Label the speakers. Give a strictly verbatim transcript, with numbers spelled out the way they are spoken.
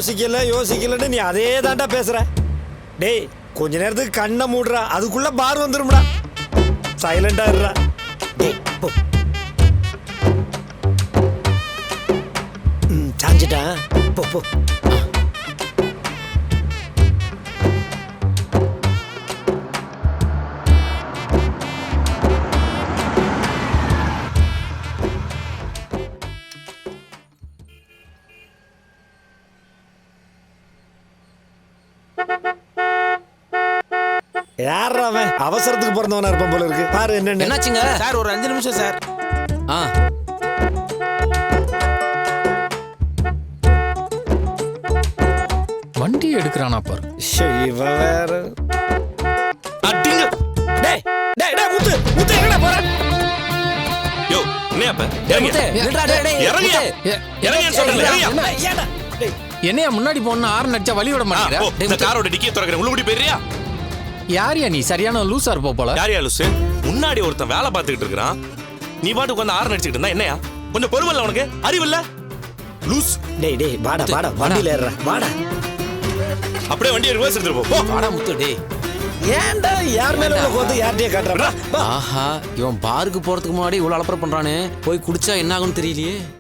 Speaker 1: யோசிக்கல யோசிக்கலன்னு நீ அதே தாண்டா பேசுற. டேய் கொஞ்ச நேரத்துக்கு கண்ணை மூடுறா, அதுக்குள்ள பார் வந்துரும்டா. சைலண்டா இருடா. டேய் போ. ம் சாஞ்சிட்டா. போ போ. யார் அவன்? அவசரத்துக்கு பிறந்தவனா இருப்பான் போல இருக்கு. பாரு என்ன
Speaker 2: என்னாச்சுங்க
Speaker 3: சார்? ஒரு அஞ்சு நிமிஷம் சார்.
Speaker 2: ஆ
Speaker 4: வண்டி எடுக்கிறானா பாரு.
Speaker 1: இவன் வேற.
Speaker 3: அடிங்க.
Speaker 1: டேய் டேய் டேய் முத்து முத்து எங்கடா போற?
Speaker 3: யோ என்ன அப்ப இறங்க.
Speaker 2: நில்றா டேய் டேய்
Speaker 3: இறங்க. இறங்க சொல்றேன். இறங்க.
Speaker 1: ஏடா டேய்
Speaker 4: என்னையா முன்னாடி போனா ஆறு நடிச்சா வழி விட மாட்டேங்கிற?
Speaker 3: போ, இந்த காரோட டிக்கியை திறக்கிறேன். உள்ள கூட்டி போயிறியா?
Speaker 4: யாரியா நீ? சரியான லூசா இருப்ப போல.
Speaker 3: யாரியா லூசு? முன்னாடி ஒருத்தன் வேலை பார்த்துக்கிட்டு இருக்கிறான், நீ பாட்டுக்கு வந்து ஆறு நடிச்சுக்கிட்டு இருந்தா என்னையா? கொஞ்சம் பொறுமல்ல உனக்கு? அறிவில்ல லூஸ்.
Speaker 1: டேய் டேய் வாடா வாடா வண்டியில ஏறுறா வாடா.
Speaker 3: அப்படியே வண்டியை ரிவர்ஸ் எடுத்துட்டு போ.
Speaker 2: வாடா முத்து டேய்.
Speaker 1: ஏன்டா யார் மேல உனக்கு வந்து யார்ட்டே காட்டுறா?
Speaker 2: ஆஹா இவன் பாருக்கு போறதுக்கு முன்னாடி இவ்வளவு அலப்பற பண்றானே, போய் குடிச்சா என்ன ஆகும்னு தெரியலையே.